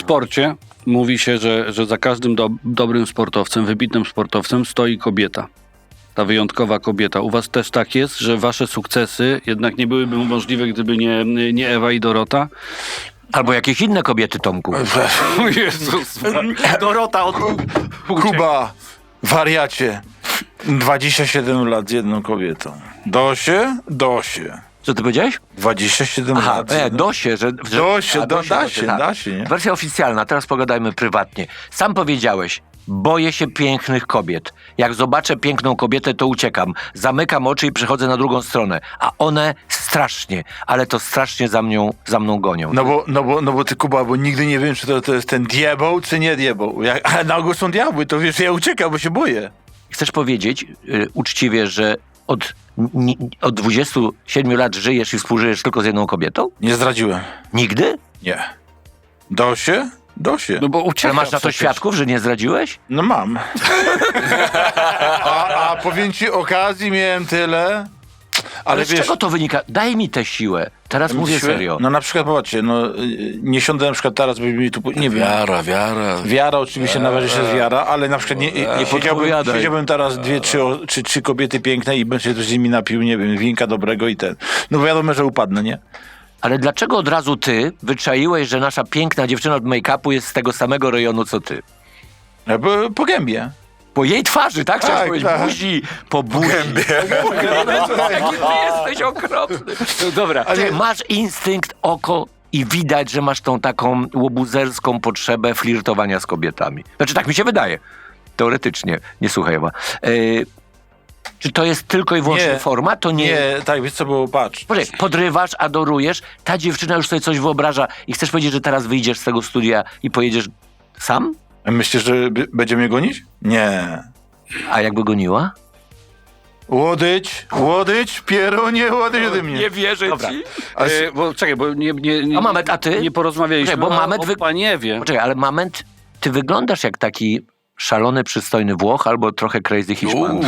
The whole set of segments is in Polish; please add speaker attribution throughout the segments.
Speaker 1: sporcie mówi się, że za każdym dobrym sportowcem, wybitnym sportowcem stoi kobieta. Ta wyjątkowa kobieta. U was też tak jest, że wasze sukcesy jednak nie byłyby możliwe, gdyby nie Ewa i Dorota?
Speaker 2: Albo jakieś inne kobiety, Tomku.
Speaker 1: O Jezus. Dorota od...
Speaker 3: Kuba, wariacie. 27 lat z jedną kobietą. Dosie?
Speaker 2: Co ty powiedziałeś?
Speaker 3: 27
Speaker 2: Aha,
Speaker 3: lat.
Speaker 2: Dosie, że...
Speaker 3: Da się, nie?
Speaker 2: Wersja oficjalna, teraz pogadajmy prywatnie. Sam powiedziałeś, boję się pięknych kobiet. Jak zobaczę piękną kobietę, to uciekam. Zamykam oczy i przechodzę na drugą stronę. A one strasznie, ale to strasznie za mną gonią.
Speaker 3: No bo ty, Kuba, bo nigdy nie wiem, czy to jest ten diabeł, czy nie diabeł. Ale na ogół są diabły, to wiesz, ja uciekam, bo się boję.
Speaker 2: Chcesz powiedzieć uczciwie, że od 27 lat żyjesz i współżyjesz tylko z jedną kobietą?
Speaker 3: Nie zdradziłem.
Speaker 2: Nigdy?
Speaker 3: Nie. Dosie?
Speaker 1: No bo ucieka
Speaker 2: Ale masz na to
Speaker 1: przecież.
Speaker 2: świadków, że nie zdradziłeś?
Speaker 3: No mam. A powiem ci, okazji miałem tyle.
Speaker 2: Ale z czego to wynika? Daj mi tę siłę. Teraz mówię serio.
Speaker 3: No na przykład, popatrzcie, nie siądę na przykład teraz, by mi tu, nie wiem. Wiara oczywiście należy się z wiara, ale na przykład nie siedziałbym teraz trzy kobiety piękne i bym się z nimi napił, nie wiem, winka dobrego i ten. No wiadomo, że upadnę, nie?
Speaker 2: Ale dlaczego od razu ty wyczaiłeś, że nasza piękna dziewczyna od make-upu jest z tego samego rejonu, co ty?
Speaker 3: Bo po gębie.
Speaker 2: Po jej twarzy, tak? Chciałeś
Speaker 3: Tak,
Speaker 2: powiedzieć,
Speaker 3: tak.
Speaker 2: buzi, po buzi. Jaki ty jesteś okropny. No dobra, ty masz instynkt, oko i widać, że masz tą taką łobuzerską potrzebę flirtowania z kobietami. Znaczy, tak mi się wydaje. Teoretycznie. Nie słuchaj, Ewa. Czy to jest tylko i wyłącznie forma? To nie...
Speaker 3: Nie, tak, wiesz co było, patrz.
Speaker 2: Poczekaj, podrywasz, adorujesz, ta dziewczyna już sobie coś wyobraża i chcesz powiedzieć, że teraz wyjdziesz z tego studia i pojedziesz sam?
Speaker 3: Myślisz, że będzie mnie gonić? Nie.
Speaker 2: A jakby goniła?
Speaker 3: Łodyć, pierunie, łodyć ode mnie.
Speaker 2: Nie wierzę ci.
Speaker 1: Bo czekaj, bo nie
Speaker 2: A Mamet, a ty?
Speaker 1: nie porozmawialiśmy
Speaker 2: Czekaj, bo Mamet
Speaker 1: o Paniewie.
Speaker 2: Poczekaj, ale Moment, ty wyglądasz jak taki szalony, przystojny Włoch albo trochę crazy Hiszpan.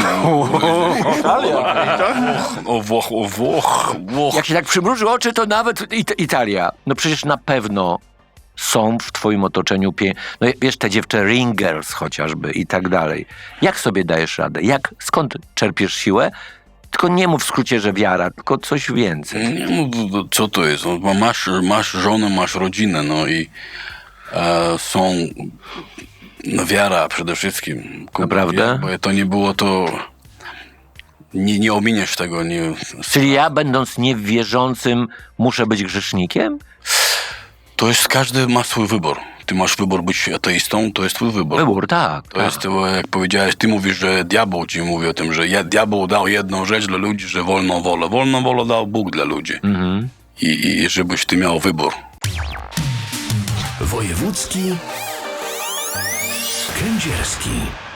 Speaker 1: Włoch.
Speaker 2: Jak się tak przymruży oczy, to nawet Italia. No przecież na pewno są w twoim otoczeniu no wiesz, te dziewczę ringers chociażby i tak dalej. Jak sobie dajesz radę? Skąd czerpiesz siłę? Tylko nie mów w skrócie, że wiara, tylko coś więcej.
Speaker 4: Nie, no co to jest? No, masz żonę, masz rodzinę, no i są wiara przede wszystkim.
Speaker 2: Naprawdę?
Speaker 4: Bo to nie było to... Nie ominiesz tego. Nie.
Speaker 2: Czyli ja, będąc niewierzącym, muszę być grzesznikiem?
Speaker 4: To jest, każdy ma swój wybór. Ty masz wybór być ateistą, to jest twój wybór.
Speaker 2: Wybór, tak.
Speaker 4: To jest, jak powiedziałeś, ty mówisz, że diabeł ci mówi o tym, że diabeł dał jedną rzecz dla ludzi, że wolną wolę. Wolną wolę dał Bóg dla ludzi.
Speaker 2: Mhm.
Speaker 4: I żebyś ty miał wybór.
Speaker 5: Wojewódzki Kędzierski.